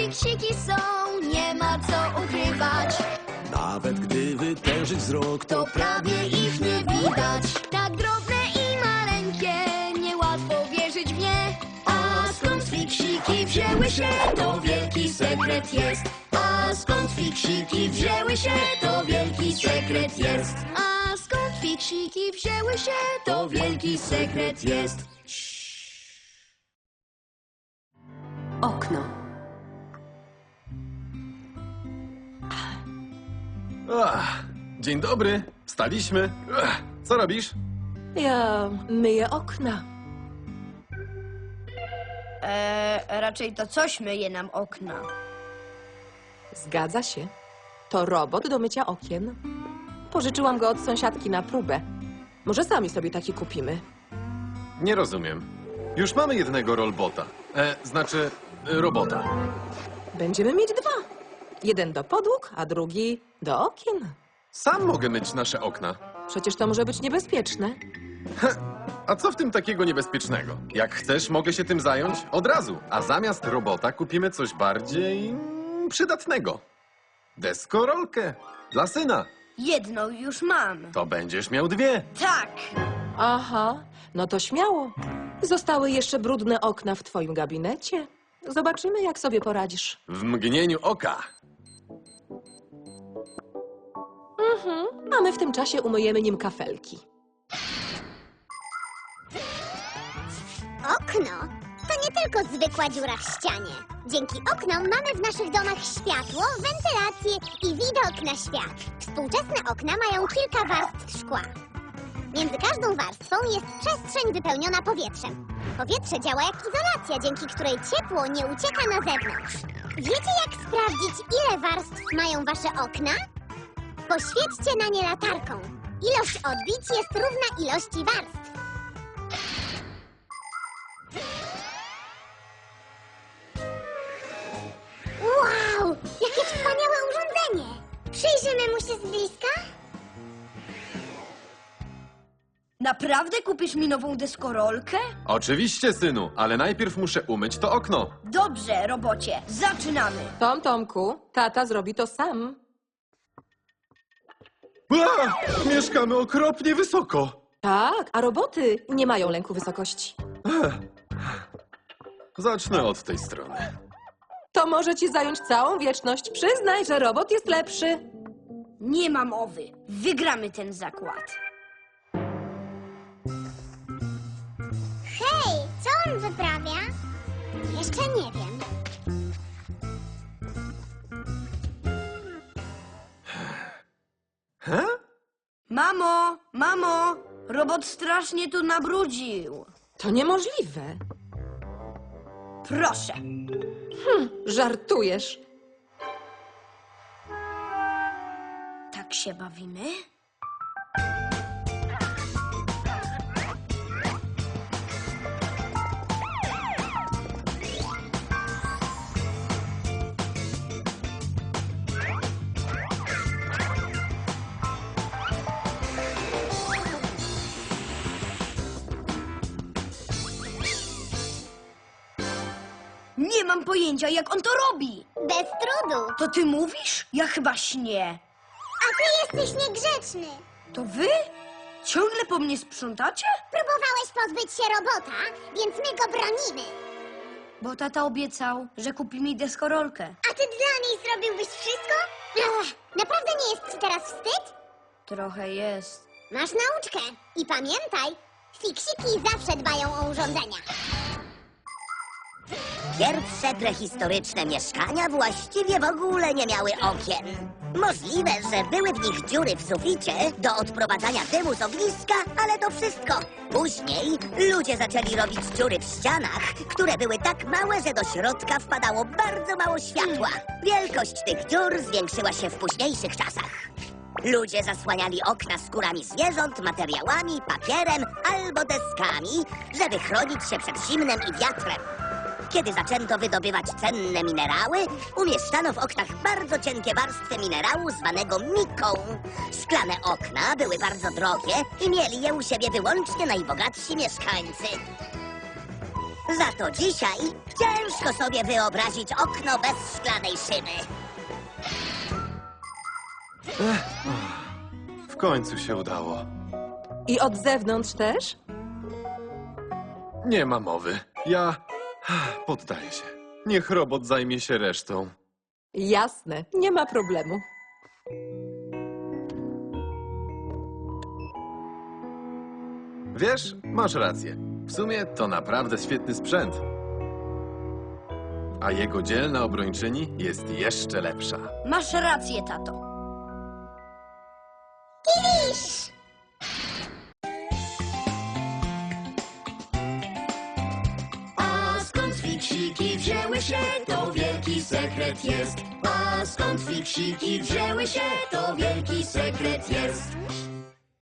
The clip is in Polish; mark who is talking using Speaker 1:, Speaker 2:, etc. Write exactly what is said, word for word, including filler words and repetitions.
Speaker 1: fiksiki są, nie ma co ukrywać.
Speaker 2: Nawet gdy wytężyć wzrok,
Speaker 1: To prawie ich nie widać. Tak drobne i maleńkie, niełatwo wierzyć w nie. A skąd fiksiki wzięły się, to wielki sekret jest. A skąd fiksiki wzięły się, to wielki sekret jest. A skąd fiksiki wzięły się, to wielki sekret jest.
Speaker 3: Okno.
Speaker 4: Ach, dzień dobry, wstaliśmy. Ach, co robisz?
Speaker 3: Ja myję okna.
Speaker 5: Eee, raczej to coś myje nam okna.
Speaker 3: Zgadza się. To robot do mycia okien. Pożyczyłam go od sąsiadki na próbę. Może sami sobie taki kupimy.
Speaker 4: Nie rozumiem. Już mamy jednego rolbota. E, znaczy, e, robota.
Speaker 3: Będziemy mieć dwa. Jeden do podłóg, a drugi do okien.
Speaker 4: Sam mogę myć nasze okna.
Speaker 3: Przecież to może być niebezpieczne.
Speaker 4: A co w tym takiego niebezpiecznego? Jak chcesz, mogę się tym zająć od razu. A zamiast robota kupimy coś bardziej mm, przydatnego. Deskorolkę. Dla syna.
Speaker 5: Jedną już mam.
Speaker 4: To będziesz miał dwie.
Speaker 5: Tak!
Speaker 3: Aha, no to śmiało. Zostały jeszcze brudne okna w twoim gabinecie. Zobaczymy, jak sobie poradzisz.
Speaker 4: W mgnieniu oka.
Speaker 3: Mhm. A my w tym czasie umyjemy nim kafelki.
Speaker 6: Okno to nie tylko zwykła dziura w ścianie. Dzięki oknom mamy w naszych domach światło, wentylację i widok na świat. Współczesne okna mają kilka warstw szkła. Między każdą warstwą jest przestrzeń wypełniona powietrzem. Powietrze działa jak izolacja, dzięki której ciepło nie ucieka na zewnątrz. Wiecie, jak sprawdzić, ile warstw mają wasze okna? Poświećcie na nie latarką. Ilość odbić jest równa ilości warstw. Wow! Jakie wspaniałe urządzenie! Przyjrzymy mu się z bliska?
Speaker 5: Naprawdę kupisz mi nową deskorolkę?
Speaker 4: Oczywiście, synu, ale najpierw muszę umyć to okno.
Speaker 5: Dobrze, robocie, zaczynamy.
Speaker 3: Tom, Tomku, tata zrobi to sam.
Speaker 4: A! Mieszkamy okropnie wysoko.
Speaker 3: Tak, a roboty nie mają lęku wysokości.
Speaker 4: Zacznę od tej strony.
Speaker 3: To może ci zająć całą wieczność. Przyznaj, że robot jest lepszy.
Speaker 5: Nie ma mowy. Wygramy ten zakład.
Speaker 6: Hej, co on wyprawia? Jeszcze nie wiem.
Speaker 4: He?
Speaker 5: Mamo, mamo, robot strasznie tu nabrudził.
Speaker 3: To niemożliwe.
Speaker 5: Proszę.
Speaker 3: Żartujesz.
Speaker 5: Tak się bawimy? Nie mam pojęcia, jak on to robi.
Speaker 6: Bez trudu.
Speaker 5: To ty mówisz? Ja chyba śnię.
Speaker 6: A ty jesteś niegrzeczny.
Speaker 5: To wy? Ciągle po mnie sprzątacie?
Speaker 6: Próbowałeś pozbyć się robota, więc my go bronimy.
Speaker 5: Bo tata obiecał, że kupi mi deskorolkę.
Speaker 6: A ty dla niej zrobiłbyś wszystko? Ach, naprawdę nie jest ci teraz wstyd?
Speaker 5: Trochę jest.
Speaker 6: Masz nauczkę. I pamiętaj, fiksiki zawsze dbają o urządzenia.
Speaker 7: Pierwsze prehistoryczne mieszkania właściwie w ogóle nie miały okien. Możliwe, że były w nich dziury w suficie do odprowadzania dymu z ogniska, ale to wszystko. Później ludzie zaczęli robić dziury w ścianach, które były tak małe, że do środka wpadało bardzo mało światła. Wielkość tych dziur zwiększyła się w późniejszych czasach. Ludzie zasłaniali okna skórami zwierząt, materiałami, papierem albo deskami, żeby chronić się przed zimnem i wiatrem. Kiedy zaczęto wydobywać cenne minerały, umieszczano w oknach bardzo cienkie warstwy minerału zwanego miką. Szklane okna były bardzo drogie i mieli je u siebie wyłącznie najbogatsi mieszkańcy. Za to dzisiaj ciężko sobie wyobrazić okno bez szklanej szyby.
Speaker 4: W końcu się udało.
Speaker 3: I od zewnątrz też?
Speaker 4: Nie ma mowy. Ja poddaję się. Niech robot zajmie się resztą.
Speaker 3: Jasne, nie ma problemu.
Speaker 4: Wiesz, masz rację. W sumie to naprawdę świetny sprzęt. A jego dzielna obrończyni jest jeszcze lepsza.
Speaker 5: Masz rację, tato.
Speaker 6: Kiwisz!
Speaker 1: A skąd fiksiki wzięły się, to wielki sekret jest. A skąd fiksiki wzięły się, to wielki sekret jest.